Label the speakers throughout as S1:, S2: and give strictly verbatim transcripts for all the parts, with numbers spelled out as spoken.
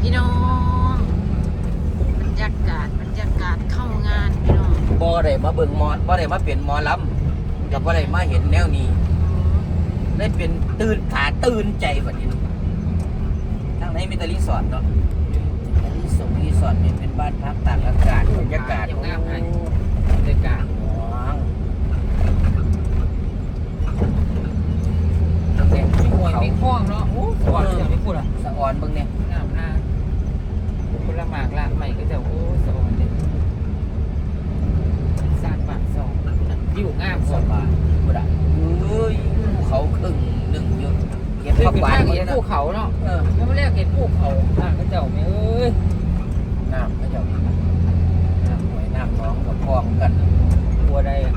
S1: พี่น้องบรรยากาศบรรยากาศเข้างานพี่น้อง
S2: บ่ได้มาเบิ่งหมอบ่ได้มาเป็นหมอลำกับบ่ได้มาเห็นแนวนี้ได้เป็นตื่นขาตื่นใจบัดนี้ทางไหนมีแต่รีสอร์ทเนาะรีสอร์ทรีสอร์ทเนี่ยเป็นบ้านพักตากอากาศบรรยากาศงามให้บรรยากาศ
S3: มีหวยมีคล้องเนาะโอ้สวรรค์อย่างนี้พูดอ่ะ
S2: สะออนเบิ่งเนี่ย
S3: งามนะคนละหมากละใหม่ก็จะโอ้สวรรค์เลยสร้างปากสองอยู่งามสบาย
S2: บ่ได้เอ้ยเขาครึ่งหนึ่งอยู่เก็บ
S3: เห็
S2: ผักหวาน
S3: นเห็นภูเขาเนาะเออแล้วมาเรียกเห็นภูเขาอ่างก็เจ้าไม่เอ้ย
S2: น้ำก็จะน้ำหวยน้ำน้องกับพร้อมกัน
S3: บัวใดอ่ะ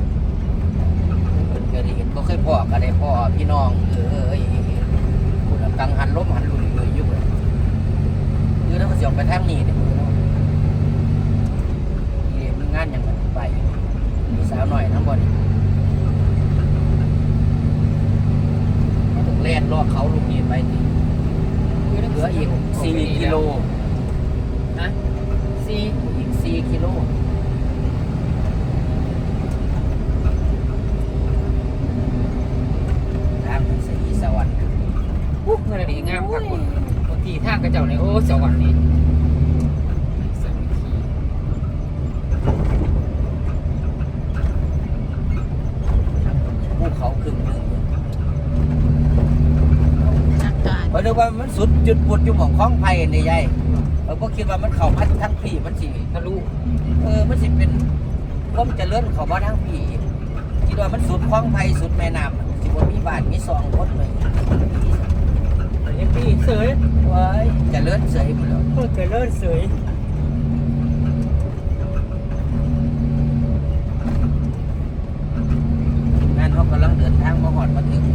S2: เคยได้เห็นบ่เคยพ่อก็ได้พ่อพี่น้องเอ้ยคุณกังหันล้มหันลุยเลยยุบเลยคือถ้าเขาสิออกไปทางนี้เนี่ยเรียนงานยังไงไปมีสาวหน่อยทั้งบ่นี่มาถึงแล่นรอบเขาลูกนี้ไปนี่เหลืออีกสี่กิโล
S3: นะสี่
S2: อีกสี่กิโลทางเป็นสีสวรรค์
S3: ปุ๊บเงินอะไรงามครับคุณบางทีทางกระเจ้าในโอ้สวรรค์นี่สามัคคี
S2: ภูเขาครึ่งหนึ่ง
S1: อากาศ
S2: เพราะนึกว่ามันสุดจุดปุดอยู่หม่องคล้องไผ่ในใหญ่เราก็คิดว่ามันเข้าพัดทั้งพี่มันสิทะลุเออมันสิเป็นความเจริญเขาบ่ทั้งพี่คิดว่ามันสุดคล้องไผ่สุดแม่น้ำสิว่ามีบ้านมีซองคนเลย
S3: เอ็มพีเสย
S2: ว้ายเจริญเสยหมดแล้ว
S3: เพื่อเกิดเลิศเสย
S2: นั่นเขากำลังเดินทางมาหอดมาถึง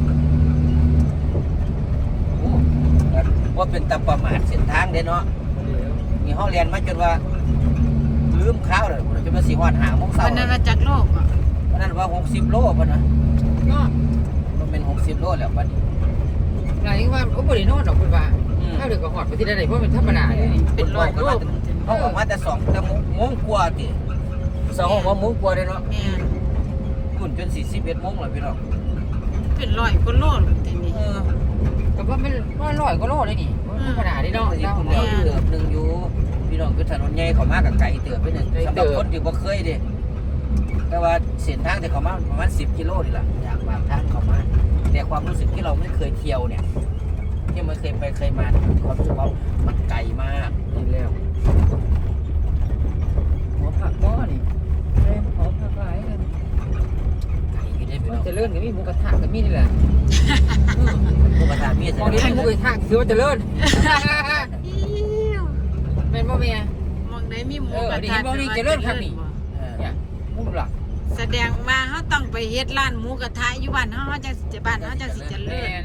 S2: โอ้ว่าเป็นตาประมาทเส้นทางเด้เนาะมีห้องเรียนมาจนว่าลืมข้าวเลยจนมาสี่หอดหางโมงเช้า
S1: วันนั้นมาจากโลกอ่ะ
S2: วันนั้นว่าหกสิบโลป่ะนะ
S3: ก็
S2: มันเป็นหกสิบโลแล้วปัจจุบัน
S3: หลายว่าโอ้บริโนอนดอกคุณว่าถ้าเดือดก็หอดไปที่ใดๆเพราะเป็นธรรมดาเลย
S1: เป็นร้อยโลก
S2: เขาออกมาแต่สองแต่โมงกว่าติสองว่าโมงกว่าเลยเนาะ
S1: แม่น
S2: คุณจนสี่สิบเอ็ดโมงเลยพี่น้อง
S1: เป็นร้อยกว่าโลแต่นี่
S2: เออ
S3: แต่ว่ามันว่าร้อยก็โลเลยนี่ธรรมดาที่เนาะ
S2: ที่คุณแล้วเติบหนึ่งอยู่พี่น้องคือถนนใหญ่เขามากับไก่เติบไปหนึ่งสำหรับคนที่บ่เคยเด้แต่ว่าเส้นทางที่เขามาประมาณสิบกิโลนี่แหละอยากบางทางเขามาแต่ความรู้สึกที่เราไม่เคยเที่ยวเนี่ยที่ไม่เคยไปเคยมาความรู้สึกว่ามันไกลมาก
S3: นี่แล้วหัวผักก้อนี่เริ่มหัวผักหลายกัน
S2: ไกลอยู่ได้พี่น้อง
S3: จะเลื่อนกับมีหมูกระทะกับมีนี่แหละ
S2: หมูกระทะมี
S3: ม
S2: แต่
S3: องนี้มีหมูกระทะคือว่าจะเลื่อน
S1: อิ้ว
S3: เป็นบ่แม่
S1: มองได้มีหมู
S3: เออก
S1: ระ
S3: ดี
S1: ทะ
S3: มองนี่จะเลื่อนครับนี่
S2: เออ
S3: เนี่ยหมูหลัก
S1: แสดงว่าเขาต้องไปเฮ็ดร้านหมูกระทะอยู่บ้านเฮาเขาจังสิบ้านเฮาจังสิเจริ
S3: แม่
S1: ญ
S3: น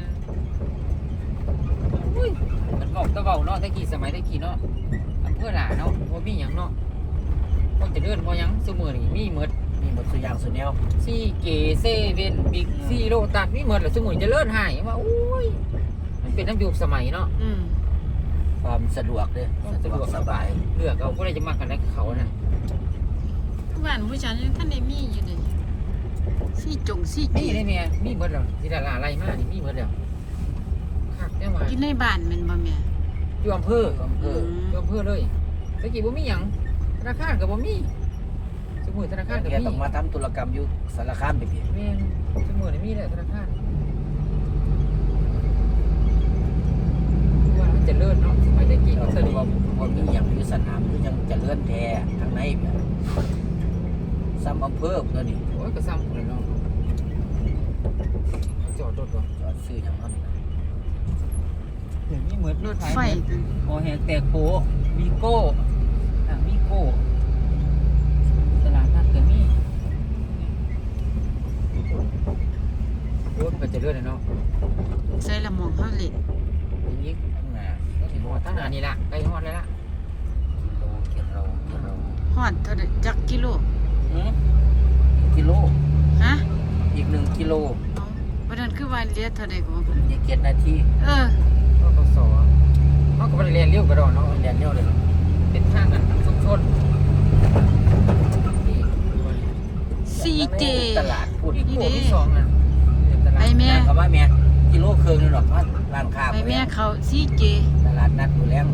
S3: อุ้ยมันบอกตะเบาเนาะตะกี้สมัยตะกี้เนาะอำเภอหลาเนาะบ่มีหยังเนาะบ่จะเลื่อนบ่หยังซุมื้อนี่มีหมด
S2: มีหมดสุดอย่างสุดแนว
S3: ซีเกเซเว่นบิ๊กซีโลตัสมีหมดแหละซุมื้อจะเลื่อนหายว่าโอ้ยมันเป็นน้ำยุคสมัยเนาะ
S1: อืม
S2: ความสะดวกเลยสะดวกสบาย
S3: เลือกเอาก็ได้จะมากันได้เขาน่ะ
S1: บ้านผู้ชายยังท่านได้มีอยู่เลยซี่จงซี่
S3: มี
S1: จี
S3: ได้แม่มีหมดแล้วที่ดาราไล่มานี่มีหมดแล้วคักจังว่า
S1: กินในบ้านแมันบ่แม่
S3: อยู่อำเภอ
S2: อำเภอ
S3: อยู่อำเภอเลยตะกี้บ่มีหยังธนาคารก็บ่มีสมุดธนาคารก็
S2: แก
S3: มี
S2: ต้องมาทำธุรกรรมอยู่สารคามไปพี่
S3: แม่นสมุดนี่มีแหละธนาคารว่ามันจะเลิศเนาะสมัยตะกี้
S2: เรา
S3: มัน
S2: เค
S3: สะ
S2: ย
S3: ดวก
S2: ว่ามีอย่างอยู่สนามคือยังจะเลื่อนแท้ทางในแบบซ้ำอำเภอตัวนี้
S3: โอ้ยก็ซ้ำเลยเนาะจอดรถก่อน
S2: จอดซื้ออย่างนั้น
S3: เดี๋ยวนี้เหมือน
S1: รถไฟ
S3: โอแหกแตกโปวีโก้อ่ะวีโก้ตลาดนัดก็มีรถมันก็จะเลื่อนเลยเนาะ
S1: ใส่ละหมองเฮาเล่น
S3: อย่างนี้
S2: ข้างหน้า
S3: ถึงหอดทั้งหนานี่ละใกล้หอดเลยละ
S2: โลเกียรเราเกียรเรา
S1: ฮอดเท่าใดจักกิโล
S2: หืมกิโล
S1: ฮะ
S2: อีกหนึ่งกิโล
S1: เอาบ่นั้นคือว่าเหลือเท่าใดก็บ่
S2: อีกเจ็ดนาที
S1: เออ
S3: ก็กสเขาก็ไปเรียนเร็วกระดอนเนาะ
S2: แดนเนียลเลย
S3: เป็นทางกันชุมชน
S1: ซีเจ
S2: ตลาดพูด
S3: อีกโที่สองน่ะเป็นตลา
S1: ไป
S3: ด
S1: แม่
S2: เขาว่าแม่กิโลครึ่งนี่หรอกว่าร้านค้า
S1: ไปแม่เขาซีเจ
S2: ตลาดนัดอยู่แล้ว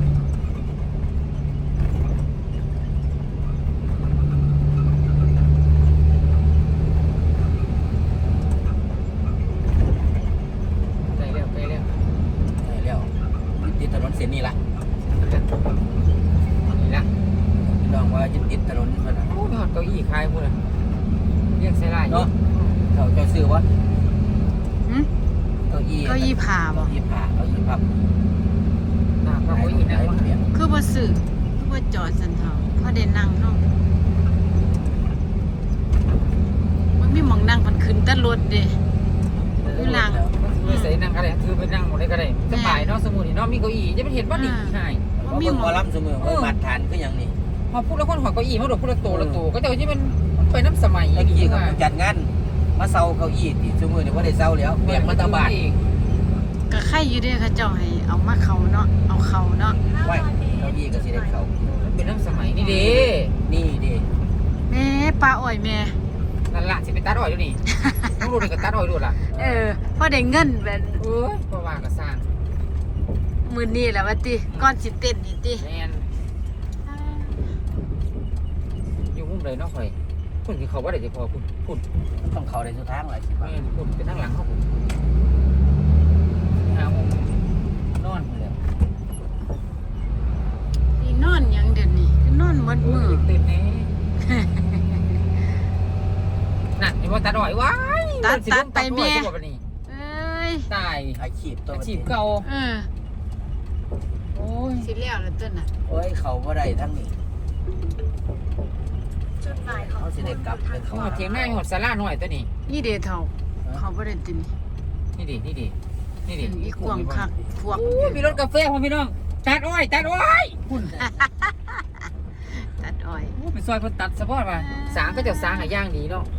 S3: ไปเร็วไปเร็ว
S2: ใช่แล้วติดถนนเส้นนี้ละ
S3: นี่ละ
S2: พี่น้องว่าจะติดถนนเพื่อนน่ะ
S3: โอ้ยหอดเก้าอี้คลายพูดเลยเรียกใส่ลายเนาะ
S2: เนาะเขาจะซื้อวะ
S1: หึ
S2: เก้าอี้
S1: เก้าอี้ผ่าบ่
S2: เก้าอี้ผ่าเก้าอี้พับ
S3: หนักกว่าเก้าอี้นั่ง
S2: หลาย
S3: ว่า
S2: เปลี่ยน
S1: คือบ่ซื้อคือบ่จอดสันเทาพอได้นั่งเฮามันมีหม่องนั่งมันขึ้นแต่รถเด้ อยู่หลัง
S3: คือใส่นั่งก็ได้คือไปนั่งหมดได้ก็ได้สบายเนาะสมุนเนาะมีเก้าอี้จะเป็นเห็นว่าดีใช่
S2: เขาเบิ่งหมอลำเสมอเบิ่งมาตรฐานคืออย่างนี้
S3: พอพูดแล้วคนหัวเก้าอี้มาดูพูดละโตละโตก็จะที่มันไปน้ำสมัย
S2: ไอ้กี้ก็จัดงานมาเซาเก้าอี้ติเสมอเนี่ยว่าได้เซาแล้วแบกมาตะบาด
S1: ก็ใครอยู่เด้อเขาเจ้าให้เอามาเขาเนาะเอาเขาเนาะ
S2: ไว้เก้าอี้ก็สิได้เขา
S3: เป็นน้ำสมัยนี่เด้
S2: นี่ดิ
S1: แม่ปลาอ้อยแม่
S3: นั่นละสิเป็นตัดอ้อยอยู่นี่ต้องรู้เลยกับตัดอ้อยดูล่ะ
S1: เออพอได้เงินแบบ
S3: เอ้ยเพราะว่าก็สร้าง
S1: มื้อนี้แหละว่าติก่อนสิเต้นนี่ติ
S3: แมนอยู่มุมเลยเนาะข่อยคุณที่เขาว่าได้จะพอคุณคุณ
S2: ต้องเขาได้สุดทางเลยสิ
S3: แม
S2: ว่าน
S3: คุณเป็นทางหลังเขาคุณหาโมงนอนเลย
S1: นี่นอนหยังเดี๋ยวนี้คือนอนหมด
S3: มื
S1: มื้
S3: อ
S1: อ
S3: ตื่นแน่นั่นเห็นว่าตัดอ้อยว้าย
S1: ตัดตัดไปแม่
S3: ตัวบัดนี้
S1: เอ้ย
S3: ตาย
S2: อาชีพตัว
S3: อาชีพเก่า
S1: เออ
S3: โอ้ย
S1: สิแล้วแล้วต้นน่ะ
S2: โอ้ยเขาบ่ได้ทั้งนี้เขาสิได้กลับไปเขา
S3: เขาเถียงหน้าหอดสาราหน่อยตัวนี้
S1: นี่เด้เฒ่าเขาบ่ได้ตินี่
S3: นี่ดินี่ดินี่ดิ
S1: อีกวางคักพวก
S3: โอ้ยมีรถกาแฟพ่อพี่น้องตัดอ้อยตัดอ้อยคุณ
S1: ตัดอ้อย
S3: โอ้ยเป็นซอยเพิ่นตัดสะพอดมาสางก็จะสางหาย่างดีเนาะ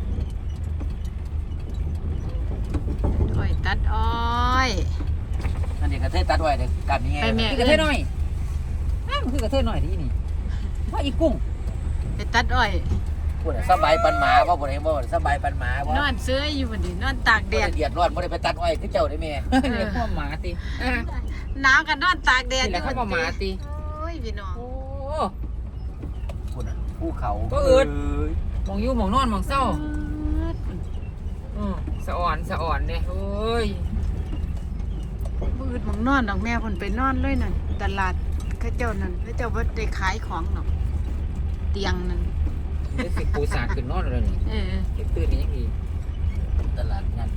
S1: อ้อยตัดอ้อย
S2: อันนี้กระเทยตัดไว้เด้อกันนี่ไง
S1: ไปแม่
S3: คือกระเทยหน่อยอ้าวมันคือกระเทยหน่อยที่นี่ว่าอีกุ้ง
S1: ไปตัดอ้อย
S2: พูดน่ะสบายปันหมาบ่บ่ได้บ่สบายปันหมาบ่
S1: นอนเสื้ออยู่บัดนี้นอนตากแด
S2: บ่
S1: ด
S2: ได้เดือดร้อนบ่ได้ไปตัดอ้อยคือเจ้าได้แม่
S3: เรียกว่าหมาติอ่ะ
S1: หนาวกันนอนตากแดด
S3: นี่แหละเขาว่าหมาติ
S1: โอ้ยพี่น้อง
S3: โอ้
S2: พูดน่ะภูเขา
S3: ก็อึด
S2: ย
S3: มองอยู่มองนอนมองเศร้าอืมสะอ่อนสะอ่อนเนี่ยโอ้ย
S1: บืดหมองนอนดอกแม่เพิ่นไปนอนเลยนั่นตลาดเขาเจ้านั่นเขาเจ้าบ่ได้ขายของหรอกเตียงนั่น
S3: เดี๋ยวสิปูสาดขึ้นนอนเลยนี่
S1: เออ
S3: เก็บตื่นนี่ยังดี
S2: ตลาดนัด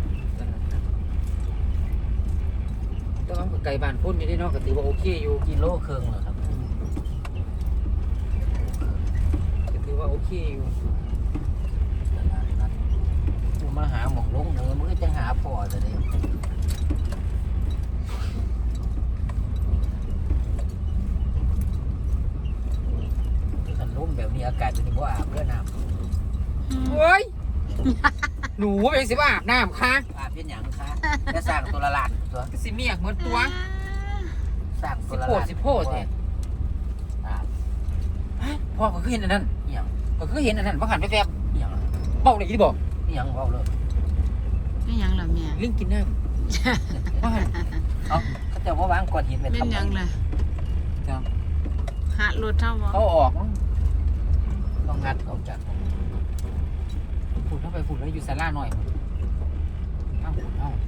S3: แต่ว่าไก่บ้านพุ่นอยู่ที่นอกก็ถือว่าโอเคอยู่
S2: กิโลครึ่งเหรอครับ
S3: ก็ถือว่าโอเคอยู่
S2: ตลาดนัดกูมาหาหมองลงเนื้อมึงก็จะหาพ่อจะได้ขันร่มแบบนี้อากาศจะดีกว่าอาบเพื่อน้ำ
S3: เฮ้ย หนูเป็นสิว่าอาบน้ำค่ะ
S2: อาบเป็นหยังคะจะสร้างตัวละลานตัว
S3: ก็สิเมียกเหมือนตัว
S2: สร้างตัวละ
S3: สิโพ
S2: ลา
S3: ด
S2: น
S3: สิโพดเนี่ย
S2: อาบ
S3: พ่อก็คือเห็นอันนั้น
S2: เอียง
S3: ก็คือเห็นอันนั้นว่าหันไปแฟบ
S2: เอียง
S3: เบ้าเลยที่บอก
S2: เอียงเบาเลย
S1: ไม่หยังล่ะแม่
S3: ลิงกินน้ำว่าหัน
S2: เอาเขาจะว่าวางก้อนหินเป็น
S1: เป็น
S2: ทำไม
S1: หยังล่ะ
S3: จ้ะ
S1: หารถเท่าบ่
S3: เขาออกมั้ง
S2: ต้องงัดออกจาก
S3: ฝุ่นเข้าไปฝุ่นแล้วอยู่ศาลาหน่อยเอ้าฝุ่นเอ้า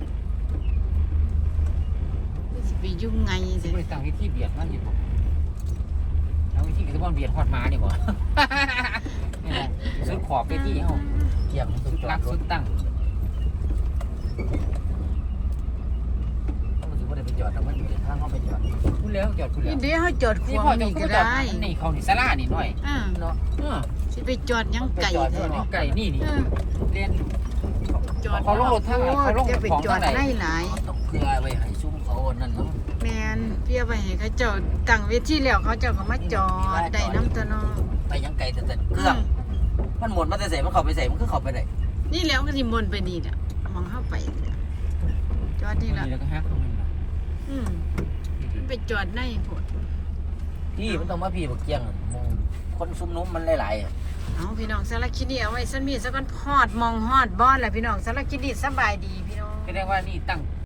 S1: สิไปยุ่งไง
S3: สิ
S1: สิ
S3: บริตั้งวิธีเบียดมันอยู่บ่แล้ววิธีก็จะบ่เบียดฮอดหมานี่บ่ นี่แหละสุดขอบไปที่เฮา
S2: เกี่ยงสุ
S3: สุ
S2: ด
S3: ด
S2: รั
S3: รั
S2: ก
S3: ก
S2: สุ
S3: สุ
S2: ด
S3: ดตั้ง
S2: เขาถือว่าได้ไปจอดแต่มันอยู่ในทางเขาไปจอด
S3: พูดแล้วจอดพูดแล้
S1: นี่
S3: ว
S1: เดี๋ยวเฮาจอดข
S3: นี่
S1: วาง
S3: พ่อจะ
S1: นี่
S3: พู
S1: ก็
S3: ดจอด
S1: ได้
S3: นี่เขานี่ศาลานี่หน่อย
S1: อ่า
S2: เนาะ
S3: เออ
S1: สิไปจอดหยังไก่แท้
S3: นี่ไก่นี่นี่
S1: เออ
S3: เรียน
S1: จอด
S3: เขาลงรถทางไหนเขาลง
S1: จะไป
S3: ของ
S1: จอ
S3: ทาง
S1: ด
S3: ไหน
S1: ได้หลาย
S2: ต้องเพื่อไว้ให้ซุ้มเขานั่นเนาะ
S1: แมนเพียไปให้เขาเจ้าตั้งเวทีแล้วเขาเจ้าก็มาจอดได้น้ำตะนอ
S2: ไปยังไกลแต่แต่เครื่อง มันหมดมันจะใส่มันเข้าไปใส่มันคือเข้าไปได้
S1: นี่แล้วก็สิมนไปนี่น่ะมองเข้าไปน่ะจอดนี่ละ
S3: แล้วก็ฮักตรงนี้
S1: อืมมันไปจอดในโพด
S2: พี่มันต้องมาพี่บักเกียงมองคนซุ่มนุ้มมันหลายๆอะ
S1: เอาพี่น้องสารคดีเอาไว้สันมีสักวันฮอดมองฮอดบอนแหละพี่น้องสารคดีสบายดีพี่น้อง
S3: แสดงว่านี่ตั้ง